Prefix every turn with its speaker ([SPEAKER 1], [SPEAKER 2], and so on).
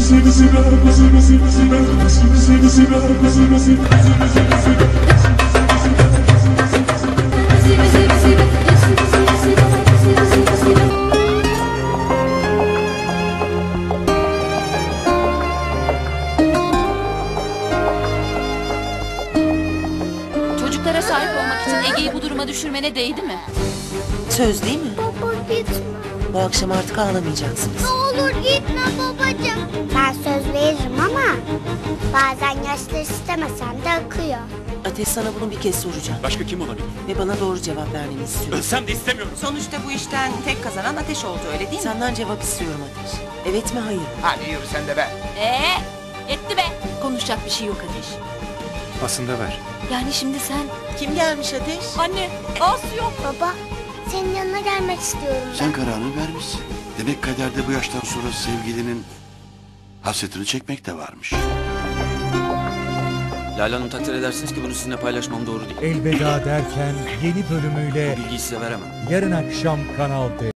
[SPEAKER 1] Çocuklara sahip olmak için Ege'yi bu duruma düşürmene değdi mi?
[SPEAKER 2] Söz değil mi?
[SPEAKER 3] Baba gitme.
[SPEAKER 2] Bu akşam artık ağlamayacaksınız.
[SPEAKER 3] Ne olur gitme babacığım. Ben söz veririm ama bazen yaşlar istemesen de akıyor.
[SPEAKER 2] Ateş, sana bunu bir kez soracağım.
[SPEAKER 4] Başka kim olabilir?
[SPEAKER 2] Ve bana doğru cevap vermeni istiyorum.
[SPEAKER 4] Ölsem de istemiyorum.
[SPEAKER 5] Sonuçta bu işten tek kazanan Ateş oldu, öyle değil mi?
[SPEAKER 2] Senden cevap istiyorum Ateş. Evet mi, hayır mı?
[SPEAKER 6] Hadi yürü sen de be.
[SPEAKER 1] Yetti be. Konuşacak bir şey yok Ateş.
[SPEAKER 4] Aslında ver.
[SPEAKER 1] Yani şimdi sen...
[SPEAKER 2] Kim gelmiş Ateş?
[SPEAKER 1] Anne, Aslı yok.
[SPEAKER 3] Baba senin yanına gelmek istiyorum ben.
[SPEAKER 7] Sen kararını vermişsin. Demek kaderde bu yaştan sonra sevgilinin hasretini çekmek de varmış.
[SPEAKER 4] Lale Hanım, takdir edersiniz ki bunu sizinle paylaşmam doğru değil.
[SPEAKER 8] Elveda derken yeni bölümüyle
[SPEAKER 4] Bu bilgiyi size veremem.
[SPEAKER 8] yarın akşam Kanal D.